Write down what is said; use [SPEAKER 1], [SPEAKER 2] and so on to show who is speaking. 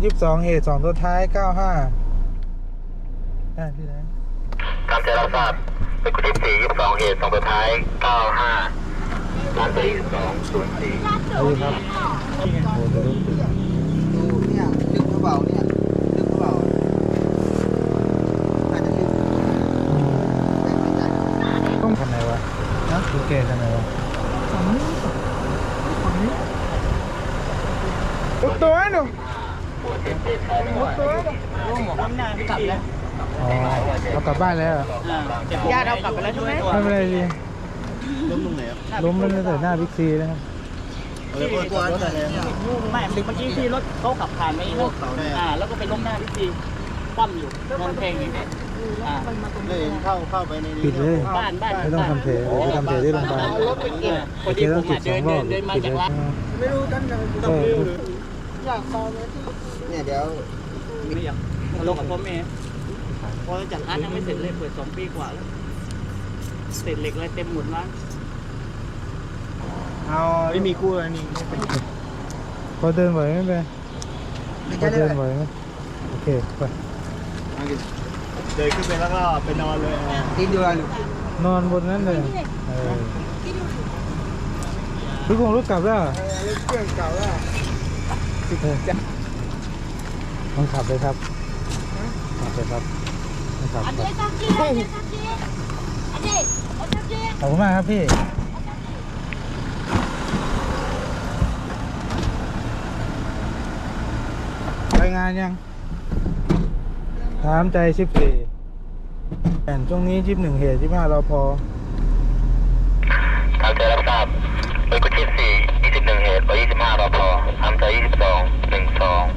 [SPEAKER 1] 22เหตุ2ตัวท้าย95ได้พี่นะ
[SPEAKER 2] ตามใจรับทราบเป็นกุฏิ4 22เหตุ2ตัวท้าย95ร้านที่204
[SPEAKER 1] เอาดีครับโอ้โหจะรู้สึก
[SPEAKER 3] ดูเนี่ยลึกกระเป๋าเนี่ยลึกกระเป๋าน่าจะลึกไม่ใจ
[SPEAKER 1] ต้องทำไงวะนะดูเกตทำไงวะลุกตัวหนูลุกตัวหนู
[SPEAKER 4] ล้มหน้าพี่กลับแล้ว
[SPEAKER 1] อ๋อเรากลับบ้านแล้ว
[SPEAKER 4] ญาติเอากลับไปแล้วใช่ไหม
[SPEAKER 1] ไม่เป็นไรดี
[SPEAKER 3] ล้มตรงไหนครับ
[SPEAKER 1] ล้มแล้วตั้งแต่หน้าบิ๊กซีนะครับ
[SPEAKER 3] เลยตัวรถอะไรเนี่ย
[SPEAKER 4] ไม่เมื่อกี้ที่รถเขาขับผ่านไปแล้วแล้วก็ไปล้มหน้าพี่คว่ำอยู่นอนเพลงอยู่
[SPEAKER 3] เลยเข้าไปในนี้
[SPEAKER 1] ปิดเลย
[SPEAKER 4] บ้าน
[SPEAKER 1] ไม่ต้องทำเทเดี๋ยวไปทำเทที่โรงพยาบาล
[SPEAKER 4] พอดี
[SPEAKER 1] เท
[SPEAKER 4] ผ
[SPEAKER 1] ต้อง
[SPEAKER 4] ม
[SPEAKER 1] จุด2 รอบ
[SPEAKER 4] เดินมา
[SPEAKER 1] ปิด
[SPEAKER 4] จาก
[SPEAKER 1] เลย
[SPEAKER 4] ร้าน
[SPEAKER 3] ไม่รู้ท่านจะอยากฟังเนี่ยเดี๋ยว
[SPEAKER 4] ไม่อยากลงกับพ่อแม่พอจากร้านยังไม่เสร็จเลยเปิด2 ปีกว่าแล้วเสร็จเหล็กอะไรเต็มหมดร้าน
[SPEAKER 3] เอาไม่มีกู้อะไรนี่
[SPEAKER 1] พอเดินไหวไหมเบพอเดินไหวไหมโอเคไป
[SPEAKER 3] เดินขึ้นไปแล้วก็ไปนอนเลยกินดูอะไร
[SPEAKER 1] นอนบนนั้นเลยทุกคนรู้กลับแล้ว
[SPEAKER 3] เครื่องเก่าแล้ว
[SPEAKER 1] ต้องขับเลยครับขับเลยครับต้องขับครับขอบคุณมากครับพี่รายงานยังถามใจ14แต่ช่วงนี้21เหตุ15เราพอ
[SPEAKER 2] ตามใจรับทราบเป็นกุฏิ4 21เหตุ25รอพอตามใจ22 12